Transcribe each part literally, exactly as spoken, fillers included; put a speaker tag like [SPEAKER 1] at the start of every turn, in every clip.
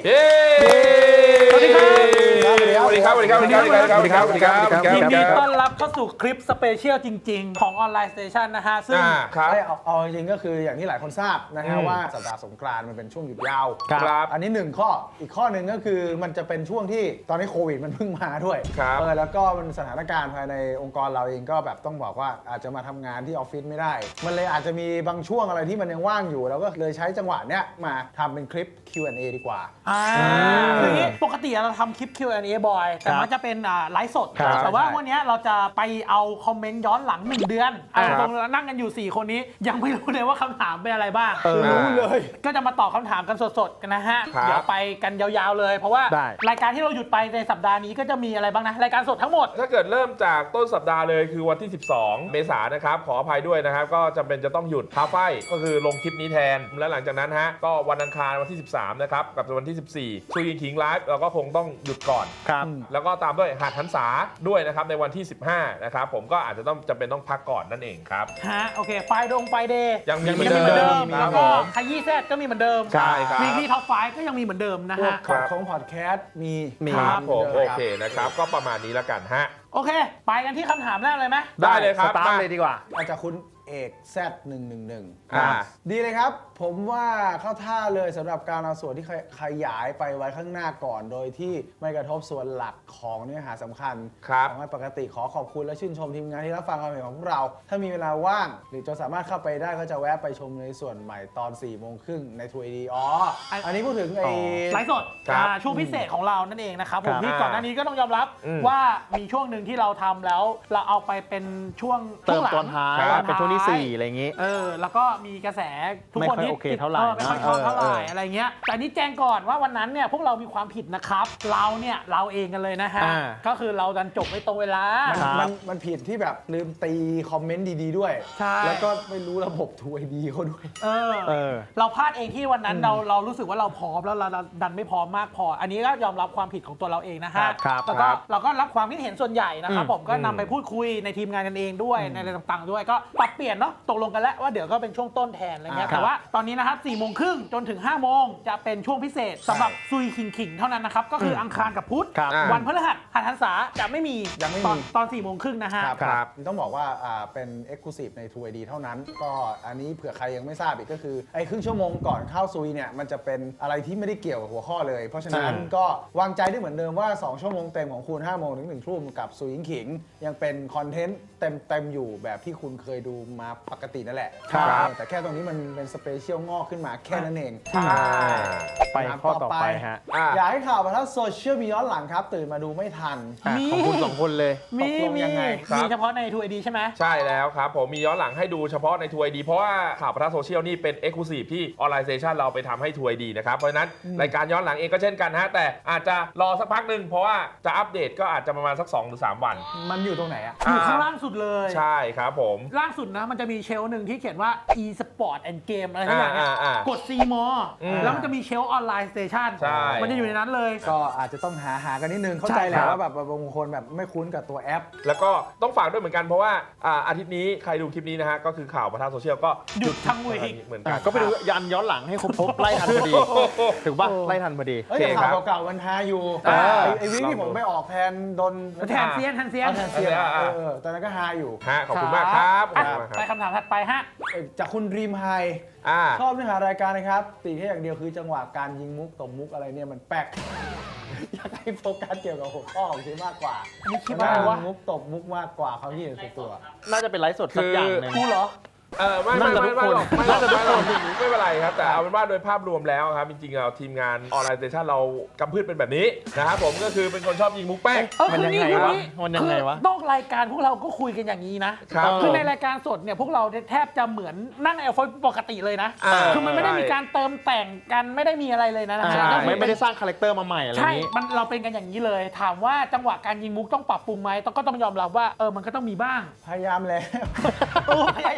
[SPEAKER 1] เย้สวัสดีครับสวัสดีครับสวัสดีครับสวัสดีครับสวัสดีครับสวัสดีครับสวัสดีครับ
[SPEAKER 2] ยินดีต้อนรับเข้าสู่คลิปสเปเชียลจริงๆของออนไลน์สเตชันนะฮะซึ่ง
[SPEAKER 3] เอาเอาจริงๆก็คืออย่างที่หลายคนทราบนะฮะว่าสัปดาห์สงกรานต์มันเป็นช่วงหยุดยาว
[SPEAKER 1] ครับ
[SPEAKER 3] อันนี้หนึ่งข้ออีกข้อหนึ่งก็คือมันจะเป็นช่วงที่ตอนนี้โควิดมันเพิ่งมาด้วยเออแล้วก็มันสถานการณ์ภายในองค์กรเราเองก็แบบต้องบอกว่าอาจจะมาทำงานที่ออฟฟิศไม่ได้มันเลยอาจจะมีบางช่วงอะไรที่มันยังว่างอยู่เราก็เลยใช้จังหวะเนี้ยมาทำเป็นคลิป คิว แอนด์ เอ ดีกว่า
[SPEAKER 2] อ่าคืออย่างนี้ปกติเราทำคลิป คิว แอนด์ เอ บ่อยแต่มันจะเป็นไลฟ์สดแต่ว่าวันนี้เราจะไปเอาคอมเมนต์ย้อนหลังหนึ่งเดือนตรงนั่งกันอยู่สี่คนนี้ยังไม่รู้เลยว่าคำถามเป็นอะไรบ้าง
[SPEAKER 3] รู้เลย
[SPEAKER 2] ก็จะมาตอบคำถามกันสดๆกันนะฮะเดี๋ยวไปกันยาวๆเลยเพราะว่ารายการที่เราหยุดไปในสัปดาห์นี้ก็จะมีอะไรบ้างนะรายการสดทั้งหมด
[SPEAKER 1] ถ้าเกิดเริ่มจากต้นสัปดาห์เลยคือวันที่สิบสองเมษายนนะครับขออภัยด้วยนะครับก็จำเป็นจะต้องหยุดท้าไฟก็คือลงคลิปนี้แทนและหลังจากนั้นฮะก็วันอังคารวันที่สิบสามนะครับกับวันที่สิบสี่คุยขิงไลฟ์เราก็คงต้องหยุดก่อน
[SPEAKER 2] ครับ
[SPEAKER 1] แล้วก็ตามด้วยหาดหันษาด้วยนะครับในวันที่สิบห้านะครับผมก็อาจจะต้องจำเป็นต้องพักก่อนนั่นเองครับ
[SPEAKER 2] ฮะโอเคไฟดงไฟเดย์
[SPEAKER 1] ยังมีเหมือนเดิม
[SPEAKER 2] แล้วก็ขยี้แซดก็มีเหมือนเดิม
[SPEAKER 1] ใช่ครับ
[SPEAKER 2] วีคท็อปไฟก็ยังมีเหมือนเดิมนะฮะ
[SPEAKER 3] ของพอดแคสต์มี
[SPEAKER 1] มีครับผมโอเคนะครับก็ประมาณนี้แล้วกันฮะ
[SPEAKER 2] โอเคไปกันที่คำถามแรกเลยไหม
[SPEAKER 1] ได้เลยครับ
[SPEAKER 3] สตาร์ทเลยดีกว่าอาจจะคุณเอก แซด หนึ่ง หนึ่ง หนึ่ง ดีเลยครับผมว่าเข้าท่าเลยสำหรับการเอาส่วนที่ขยายไปไว้ข้างหน้าก่อนโดยที่ไม่กระทบส่วนหลักของเนื้อหาสำคัญ
[SPEAKER 1] ครับ
[SPEAKER 3] ปกติขอขอบคุณและชื่นชมทีมงานที่รับฟังความเห็นของพวกเราถ้ามีเวลาว่างหรือจะสามารถเข้าไปได้ก็จะแวะไปชมในส่วนใหม่ตอนสี่โมงครึ่งในทูเอดีอ๋ออันนี้พูดถึงไอ้
[SPEAKER 2] ไลฟ์สดช่วงพิเศษของเรานั่นเองนะครับผมที่ก่อนหน้านี้ก็ต้องยอมรับว่ามีช่วงหนึ่งที่เราทำแล้วเราเอาไปเป็นช่วง
[SPEAKER 4] เติมตอนท้ายเป็นช่วงที่สี่อะไรอย่างงี้
[SPEAKER 2] เออแล้วก็มีกระแสทุกคนที่
[SPEAKER 4] โอเคเท่าไหร่
[SPEAKER 2] ไม่ค่อยชอบเท่าไหร่อะไรเงี้ยแต่นี้แจ้งก่อนว่าวันนั้นเนี่ยพวกเรามีความผิดนะครับเราเนี่ยเราเองกันเลยนะฮะก็คือเราดันจบไม่ตรงเวลา
[SPEAKER 3] มันมันผิดที่แบบลืมตีคอมเมนต์ดีๆด้วยแล้วก็ไม่รู้ระบบทูไอดีเขาด้วย
[SPEAKER 2] เออเราพลาดเองที่วันนั้นเราเรารู้สึกว่าเราพร้อมแล้วเราดันไม่พร้อมมากพออันนี้ก็ยอมรับความผิดของตัวเราเองนะฮะแล้วก็เราก็รับความคิดเห็นส่วนใหญ่นะครับผมก็นำไปพูดคุยในทีมงานกันเองด้วยในอะไรต่างๆด้วยก็ปรับเปลี่ยนเนาะตกลงกันแล้วว่าเดี๋ยวก็เป็นช่วงต้นแทนอะไรเงี้ยแต่ว่าตอนนี้นะครับสี่โมงครึ่งจนถึงห้าโมงจะเป็นช่วงพิเศษสำหรับซุยขิงขิงเท่านั้นนะครับก็คืออังคารกับพุธวันพฤหัสหันหันษาจะไม่มี
[SPEAKER 3] ยังไม่มี
[SPEAKER 2] ตอนสี่โมงครึ่งนะฮะ
[SPEAKER 3] ครับต้องบอกว่าเป็น Exclusive ใน ทู ไอ ดี เท่านั้นก็อันนี้เผื่อใครยังไม่ทราบอีกก็คือไอ้ครึ่งชั่วโมงก่อนเข้าซุยเนี่ยมันจะเป็นอะไรที่ไม่ได้เกี่ยวกับหัวข้อเลยเพราะฉะนั้นก็วางใจได้เหมือนเดิมว่าสองชั่วโมงเต็มของคุณห้าโมงถึงหนึ่งทุ่มกับซุยขิงยังเป็นคอนเทนต์เต็มเต็มอยู่แบบที่คุณเคยดูมาปกตินั่นแหละแต่แค่ตรงนี้มันเป็นสเปเชียลงอกขึ้นมาแค่นั้นเอง
[SPEAKER 4] ไปข้อต่อไปฮะ
[SPEAKER 3] อยากให้ข่าวมาทั้งโซเชียลมีย้อนหลังครับตื่นมาดูไม่ทัน
[SPEAKER 4] ของคุณสองคนเลย
[SPEAKER 2] มีมีมีเฉพาะใน ทู ไอ ดี ใช่ไหม
[SPEAKER 1] ใช่แล้วครับผมมีย้อนหลังให้ดูเฉพาะใน ทู ไอ ดี เพราะว่าข่าวประทับโซเชียลนี่เป็น Exclusive ที่ออนไลน์สเตชันเราไปทำให้ ทู ไอ ดี นะครับเพราะฉะนั้นรายการย้อนหลังเองก็เช่นกันฮะแต่อาจจะรอสักพักหนึ่งเพราะว่าจะอัปเดตก็อาจจะประมาณสักสองหรือสามวัน
[SPEAKER 3] มันอยู่ตรงไหนอ่ะ
[SPEAKER 2] อยู่ข้างล่างสุดเลย
[SPEAKER 1] ใช่ครับผม
[SPEAKER 2] ล่างสุดนะมันจะมีเชลหนึ่งที่เขียนว่า e-sport and game อะไรทั้งอย่างเงี้ยกด ซี มอ แล้วมันจะมีเชลออนไลน์สเตชันมันจะอยู่ในนั้นเลย
[SPEAKER 3] ก็อาจจะต้องหาหากันนิดนึงเข้าใจแหละว่าแบบบางคนแบบไม่คุ้นกับตัวแอป
[SPEAKER 1] แล้วก็ต้องฝากด้วยเหมือนกันเพราะว่าอาทิตย์นี้ใครดูคลิปนี้นะฮะก็คือข่าวประทับโซเชียลก็
[SPEAKER 2] หยุดทั้งวีค
[SPEAKER 1] เหมือนกัน
[SPEAKER 4] ก็ไปดูยันย้อนหลังให้ครบไล่ทันพอดีถึงป่ะไล่ทันพอดี
[SPEAKER 3] ข่าวเก่าๆมันฮาอยู่ไอ้วิที่ผมไปออกแทนโดน
[SPEAKER 2] แทนเซียนแทนเซียน
[SPEAKER 3] แทนเซียนเออตอนนั้นก็ฮาอยู่
[SPEAKER 1] ฮะขอบคุณมากครับ
[SPEAKER 2] ไปคำถามถัดไปฮะ
[SPEAKER 3] จากคุณรีมไฮชอบเนื้อหารายการนะครับติแค่อย่างเดียวคือจังหวะการยิงมุกตบมุกอะไรเนี่ยมันแปลกอยากให้โฟกัสเกี่ยวกับหัวข้อของทีมากกว่า
[SPEAKER 2] นี่คิดว่าว่า
[SPEAKER 3] มุกตบมุกมากกว่าเขาที่เห็นตัว
[SPEAKER 4] น่าจะเป็นไลฟ์สดสักอย่างนึง
[SPEAKER 2] กูเหรอ
[SPEAKER 1] เออไม่ไม่ไม่ไม่หรอกไม่หรอกไม่หรอกไม่เป็นไรครับแต่เอาเป็นว่าโดยภาพรวมแล้วครับจริงๆเราทีมงานออนไลน์สเตชันเรากำพืชเป็นแบบนี้นะครับผมก็คือเป็นคนชอบยิงมุกแป้ง
[SPEAKER 4] มันยังไงวะมันยังไงวะ
[SPEAKER 2] นอกรายการพวกเราก็คุยกันอย่างนี้นะคือในรายการสดเนี่ยพวกเราแทบจะเหมือนนั่งในออฟฟิศปกติเลยนะคือมันไม่ได้มีการเติมแต่งกันไม่ได้มีอะไรเลยนะ
[SPEAKER 4] ไม่ไม่ได้สร้างคาแรคเตอร์มาใหม่อะไรนี้
[SPEAKER 2] ใช่มันเราเป็นกันอย่างนี้เลยถามว่าจังหวะการยิงมุกต้องปรับปรุงไหมต้องก็ต้องยอมรับว่าเออมันก็ต้องมีบ้าง
[SPEAKER 3] พยายามแล้ว
[SPEAKER 2] พยายามแล้ว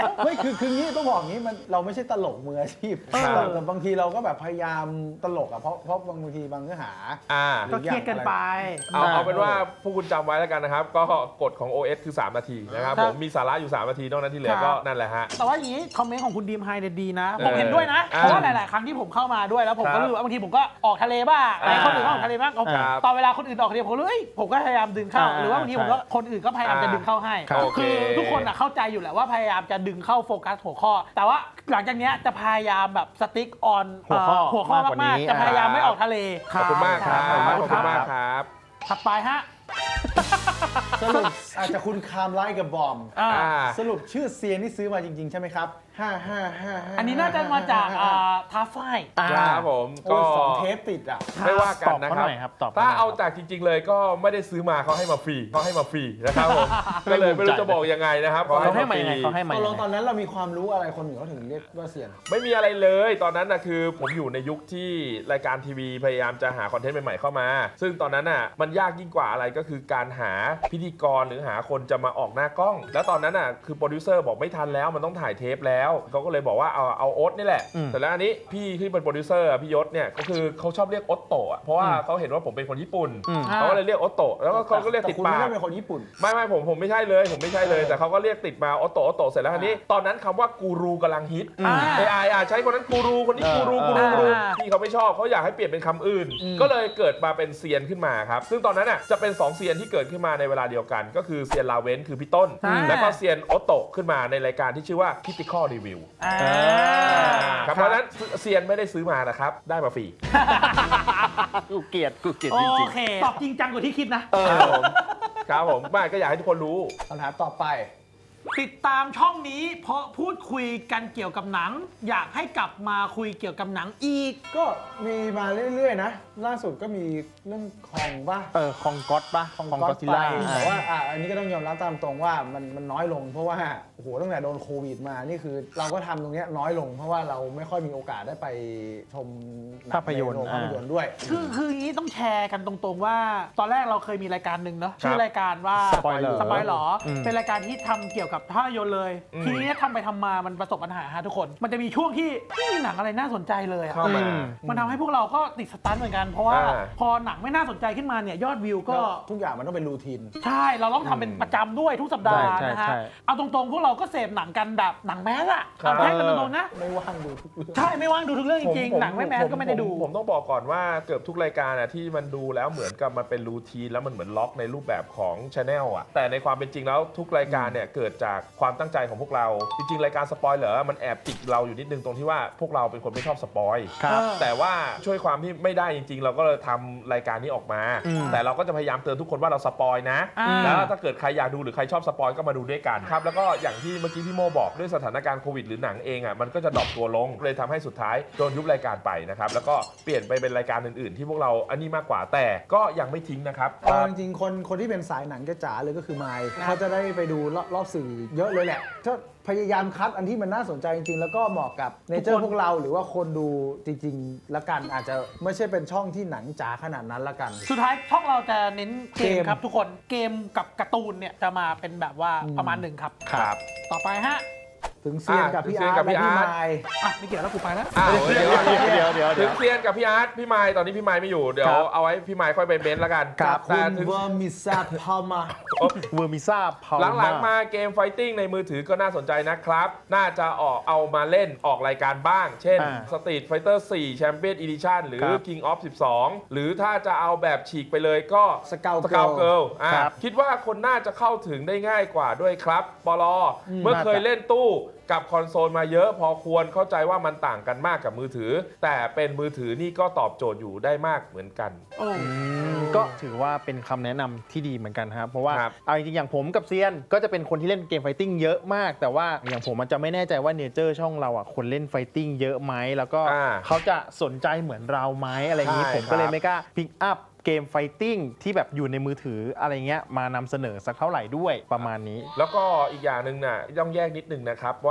[SPEAKER 3] ไม่คือคืองี้ต้องบอกงี้มันเราไม่ใช่ตลกมืออาชีพ
[SPEAKER 2] เออ
[SPEAKER 3] แต่แต่บางทีเราก็แบบพยายามตลกอ่ะเพราะเพราะบางทีบางเนื้อหา
[SPEAKER 1] อ่า
[SPEAKER 2] ก็เครียดกันไป
[SPEAKER 1] เอาเอาเป็นว่าพวกคุณจำไว้แล้วกันนะครับ ก็กฎของ โอ เอส คือ สาม นาทีนะครับ
[SPEAKER 2] ครับ
[SPEAKER 1] ผมมีสาระอยู่ สาม นาทีนอกนั้นที่เหลือ
[SPEAKER 2] ครับ
[SPEAKER 1] ก็นั่นแหละฮะ
[SPEAKER 2] แต่ว่าอย่างนี้คอมเมนต์ของคุณดีมไฮเนี่ยดีนะ
[SPEAKER 1] เออ
[SPEAKER 2] ผมเห็นด้วยนะ
[SPEAKER 1] อ่า
[SPEAKER 2] เพราะว่าหลาย ๆ ครั้งที่ผมเข้ามาด้วยแล้วผมก็
[SPEAKER 1] ครับ
[SPEAKER 2] รู้สึกว่าบางทีผมก็ออกทะเลบ้าง
[SPEAKER 1] อ่า
[SPEAKER 2] คนอื่นก็ออกทะเลบ้าง
[SPEAKER 1] ครับ
[SPEAKER 2] ตอนเวลาคนอื่นออกทะเลผมรู้เอ้ยผมก็พยายามดึงเข้า
[SPEAKER 4] อ่า
[SPEAKER 2] หรือว่าบางทีผมก็คนอื่นก็พยายามจะดึงเข้าให้
[SPEAKER 1] ครับโอเค
[SPEAKER 2] คือทุกคนอะเข้าใจอยู่แหละว่าพยายามจะดึงเข้าโฟกัสหัวข้อ แต่ว่าหลังจากเนี้ยจะพยายามแบบสติ๊กออน
[SPEAKER 4] หัวข้อ
[SPEAKER 2] หัวข้อ
[SPEAKER 4] มากกว่านี้
[SPEAKER 2] มากๆจะพยายามไม่ออกทะเล
[SPEAKER 1] ขอบคุณมากครับ
[SPEAKER 2] ครับ
[SPEAKER 1] ขอบคุณมากครับ
[SPEAKER 2] ถัดไปฮะ
[SPEAKER 3] สรุปอาจจะคุณคามไลกับบอม
[SPEAKER 2] อ่า
[SPEAKER 1] อ่า
[SPEAKER 3] สรุปชื่อเซียนที่ซื้อมาจริง ๆ ใช่ไหมครับห้าห้าห้าห้า
[SPEAKER 2] อันนี้น่าจะมาจากอ่าท้าไฟ
[SPEAKER 4] อ่า
[SPEAKER 1] ครับผม
[SPEAKER 3] โอ้
[SPEAKER 1] ก็
[SPEAKER 3] ยสองเทปติดอ่ะ
[SPEAKER 1] ไม่ว่ากันนะ
[SPEAKER 4] ตอบ
[SPEAKER 1] ค
[SPEAKER 4] เขา
[SPEAKER 1] รับ
[SPEAKER 4] หน่อยครับตอบเขา
[SPEAKER 1] ถ้า
[SPEAKER 4] หน่อย
[SPEAKER 1] เอาจากจริง ๆ เลยก็ไม่ได้ซื้อมาเขาให้มาฟรีเขาให้มาฟรีนะครับผม ก็เลยไม่รู้จะบอกยังไงนะครับ
[SPEAKER 4] เขาให้มา
[SPEAKER 1] ฟ
[SPEAKER 4] ยังไง
[SPEAKER 1] รี
[SPEAKER 4] เขาให้มา
[SPEAKER 3] ต
[SPEAKER 4] ยั
[SPEAKER 3] อน
[SPEAKER 4] ง
[SPEAKER 3] ลง
[SPEAKER 4] ไง
[SPEAKER 3] ตอนนั้นเรามีความรู้อะไรคนหนึ่งเขาถึงเรียกว่าเซียน
[SPEAKER 1] ไม่มีอะไรเลยตอนนั้นนะคือผมอยู่ในยุคที่รายการทีวีพยายามจะหาคอนเทนต์ใหม่ๆเข้ามา ซึ่งตอนนั้นน่ะมันยากยิ่งกว่าอะไรก็คือการหาพิธีกรหรือหาคนจะมาออกหน้ากล้อง แล้วตอนนั้นน่ะคือโปรดิวเซอร์บอกไม่ทันแล้วมันต้องถ่ายเทปแล้วเขาก็เลยบอกว่าเอาเอาโอ๊ตนี่แหละ
[SPEAKER 4] อืม
[SPEAKER 1] แต่แล้วอันนี้พี่ที่เป็นโปรดิวเซอร์อะพี่ยศเนี่ยก็คือเขาชอบเรียกโอ๊ตโตะอะเพราะว่าเขาเห็นว่าผมเป็นคนญี่ปุ่น
[SPEAKER 4] อืม
[SPEAKER 1] เขาก็เลยเรียกโอ๊ตโตะแล้วก็เขาก็เรียก
[SPEAKER 3] แต่
[SPEAKER 1] ติด
[SPEAKER 3] คุณ
[SPEAKER 1] ปา
[SPEAKER 3] ไม่
[SPEAKER 1] ก
[SPEAKER 3] ได้เป็นคนญี่ปุ่น
[SPEAKER 1] ไม่ไม่ผมผมไม่ใช่เลยผมไม่ใช่เลย แต่เขาก็เรียกติดมาออโตออโตเสร็จแล้วทีนี้ตอนนั้นคำว่ากูรูกำลังฮิต
[SPEAKER 2] อ่า
[SPEAKER 1] ไอไออ่ะใช้คนนั้นกูรูคนนี้กูรู
[SPEAKER 4] เออ
[SPEAKER 1] กูรูกูรู
[SPEAKER 2] อ่า
[SPEAKER 1] พี่เขาไม่ชอบเขาอยากให้เปลี่ยนเป็นคำอื่น ก็เลยเกิดมาเป็นเซียนขึ้นมาครับซึ่งตอนนั้นอ่ะจะเป็นสองเซียนที่เกิดขึ้นมาในเวลาเดียวกัน ก็คือเซียนลาเวนคือพี่ต้น
[SPEAKER 2] อ่า
[SPEAKER 1] แล้วก็เซียนออโตขึ้นมาในรายการที่ชื่อว่า Critical Review
[SPEAKER 2] อ่า
[SPEAKER 1] ครับเพราะฉะนั้นเซียนไม่ได้ซื้อมานะครับได้มาฟรี
[SPEAKER 4] กูเกลียดกูเกลียด
[SPEAKER 2] โอ
[SPEAKER 4] จริง
[SPEAKER 2] เค ตอบจริงจังกว่าที่คิดนะ
[SPEAKER 1] ครับผมครับผมไม่ก็อยากให้ทุกคนรู้
[SPEAKER 3] คำถามต่อไป
[SPEAKER 2] ติดตามช่องนี้เพราะพูดคุยกันเกี่ยวกับหนัง อยากให้กลับมาคุยเกี่ยวกับหนังอีก
[SPEAKER 3] ก็มีมาเรื่อยๆนะ ล่าสุดก็มีเรื่องคองป่ะ
[SPEAKER 4] ๆเออคองก๊อตปะคองก๊อตซิลล่า
[SPEAKER 3] แต่ว่าอ่ะอันนี้ก็ต้องยอมรับตามตรงว่ามันมันน้อยลง เพราะว่าโอ้โหตั้งแต่โดนโควิดมานี่คือ เราก็ทำตรงเนี้ยน้อยลง เพราะว่าเราไม่ค่อยมีโอกาสได้ไปชมหง
[SPEAKER 4] ภาพยนตร์
[SPEAKER 3] ใโรงภาพยนตร์ด้วย
[SPEAKER 2] คือคืออย่างนี้ต้องแชร์กันตรงๆว่า ตอนแรกเราเคยมีรายการหนึ่งเนาะชื่อรายการว่า
[SPEAKER 4] สปอยเลอร์
[SPEAKER 2] สปอยหรอ
[SPEAKER 4] อืม
[SPEAKER 2] เป็นรายการที่ทำเกี่ยวกับภาพยนตร์เลย
[SPEAKER 1] อืม
[SPEAKER 2] ทีนี้ทำไปทำมามันประสบปัญหาฮะทุกคน มันจะมีช่วงที่ไม่มีหนังอะไรน่าสนใจเลยอะ
[SPEAKER 1] เข้ามา
[SPEAKER 4] อืม
[SPEAKER 2] มันทำให้พวกเราก็ติดสตันเหมือนกัน เพราะว่า
[SPEAKER 1] อ่า
[SPEAKER 2] พอหนังไม่น่าสนใจขึ้นมาเนี่ยยอดวิวก็
[SPEAKER 3] ทุกอย่างมันต้องเป็นรูทีน
[SPEAKER 2] ใช่ เราต้องทำเป็นประจำด้วยทุกสัปดาห์
[SPEAKER 4] ใช่
[SPEAKER 2] นะฮะ
[SPEAKER 4] ใช่
[SPEAKER 2] เอาตรงๆ พวกเราก็เสพหนังกันแบบหนังแมสอะ
[SPEAKER 1] ครับ
[SPEAKER 2] เอาแค่กันตรงๆนะ
[SPEAKER 3] ไม่ว่างดูทุกเรื่อง
[SPEAKER 2] ใช่ ไม่ว่างดูทุกเรื่องจริง
[SPEAKER 1] ผ
[SPEAKER 2] ๆ หนังไม่แมสก็ไม่ได้ดู
[SPEAKER 1] ผมผมต้องบอกก่อนว่าเกือบทุกรายการอ่ะที่มันดูแล้วเหมือนกับมันเป็นรูทีนแล้วมันเหมือนล็อกในรูปแบบของชาแนลอ่ะแต่ในความเป็นจริงแล้วทุกรายการเนี่ยเกิดจากความตั้งใจของพวกเรา จริงๆ รายการสปอยเหรอมันแอบติดเราอยู่นิดนึงตรงที่ว่าพวกเราเป็นคนไม่ชอบสปอย
[SPEAKER 4] ครับ
[SPEAKER 1] แต่ว่าช่วยความที่ไม่ได้จริง ๆ เราก็เลยทำรายการนี้ออกมา
[SPEAKER 4] อืม
[SPEAKER 1] แต่เราก็จะพยายามเตือนทุกคนว่าเราสปอยนะ
[SPEAKER 2] อ่า
[SPEAKER 1] แล้วถ้าเกิดใครอยากดูหรือใครชอบสปอยก็มาดูด้วยกันครับแล้วก็อย่างที่เมื่อกี้พี่โมบอกด้วยสถานการณ์โควิดหรือหนังเองอ่ะมันก็จะดรอปตัวลงเลยทำให้สุดท้ายโดนยุบรายการไปนะครับแล้วก็เปลี่ยนไปเป็นรายการอื่นๆ ที่พวกเราอันนี้มากกว่าแต่ก็ยังไม่ทิ้งนะครับ
[SPEAKER 3] เอาจริงๆคนคนที่เป็นสายหนังจ๋าๆเลยก็คือไมค์เขาจะได้ไปดูรอบรอบสื่อเยอะเลยแหละถ้าพยายามคัดอันที่มันน่าสนใจจริงๆ แล้วก็เหมาะกับเนเจอร์พวกเราหรือว่าคนดูจริงๆละกันอาจจะไม่ใช่เป็นช่องที่หนังจ๋าขนาดนั้นละกัน
[SPEAKER 2] สุดท้ายช่องเราจะเน้นเกม
[SPEAKER 3] เกม
[SPEAKER 2] ครับทุกคน เกมกับการ์ตูนเนี่ยจะมาเป็นแบบว่าประมาณหนึ่งครับ
[SPEAKER 1] ครับ
[SPEAKER 2] ต่อไปฮะ
[SPEAKER 3] ถึงเซียนกับพี่
[SPEAKER 1] อ่ะ
[SPEAKER 3] อาร์ต
[SPEAKER 1] ถึงเซียนกับพี่
[SPEAKER 3] และพี่
[SPEAKER 1] อาร์ต
[SPEAKER 3] ไมค์
[SPEAKER 2] อ่ะไม่เกี่ยวแล้วกูไปแล้ว
[SPEAKER 1] อ้าวเดี๋ยว
[SPEAKER 4] เดี๋ยวเดี๋ยวเดี๋ยว
[SPEAKER 1] ถึงเซียนกับพี่อาร์ตพี่ไมค์ตอนนี้พี่ไมค์ไม่อยู่เดี๋ยว
[SPEAKER 4] ครับ
[SPEAKER 1] เอาไว้พี่ไมค์ค่อยไปเบนซ์แล้วกัน
[SPEAKER 3] กับคุ
[SPEAKER 1] แต่
[SPEAKER 3] ณ
[SPEAKER 1] ถึง
[SPEAKER 3] เวอร์มิซาพามา
[SPEAKER 4] เวอร์มิซ่าพาว
[SPEAKER 1] หลังๆมาเกมไฟติ้งในมือถือก็น่าสนใจนะครับ น่าจะออกเอามาเล่นออกรายการบ้าง เช่น
[SPEAKER 4] อ่า
[SPEAKER 1] Street Fighter โฟร์ Champion Edition หรือ
[SPEAKER 4] ครับ
[SPEAKER 1] King of สิบสอง หรือถ้าจะเอาแบบฉีกไปเลยก็
[SPEAKER 3] Scout
[SPEAKER 1] สกาวเกิล
[SPEAKER 4] ครับ
[SPEAKER 1] คิดว่าคนน่าจะเข้าถึงได้ง่ายกว่าด้วยครับปลอเมื่อเคยเล่นตู้กับคอนโซลมาเยอะพอควรเข้าใจว่ามันต่างกันมากกับมือถือ แต่เป็นมือถือนี่ก็ตอบโจทย์อยู่ได้มากเหมือนกัน
[SPEAKER 2] โอ้
[SPEAKER 4] ก็ถือว่าเป็นคำแนะนำที่ดีเหมือนกันครับ เพราะว่า
[SPEAKER 1] ครับ
[SPEAKER 4] เอาจริงๆอย่างผมกับเซียนก็จะเป็นคนที่เล่นเกมไฟติ้งเยอะมาก แต่ว่าอย่างผมมันจะไม่แน่ใจว่าเนเจอร์ช่องเราอ่ะคนเล่นไฟติ้งเยอะไหมแล้วก็
[SPEAKER 1] อ่า
[SPEAKER 4] เขาจะสนใจเหมือนเราไหมอะไรอย่างนี้
[SPEAKER 1] ใช่
[SPEAKER 4] ผมก็เล
[SPEAKER 1] ค
[SPEAKER 4] ย
[SPEAKER 1] รับ
[SPEAKER 4] ไม่กล้าพิกอัพเกมไฟติ้งที่แบบอยู่ในมือถืออะไรเงี้ยมานำเสนอสักเท่าไหร่ด้วยประมาณนี้
[SPEAKER 1] แล้วก็อีกอย่างหนึ่งน่ะต้องแยกนิดนึงนะครับว่า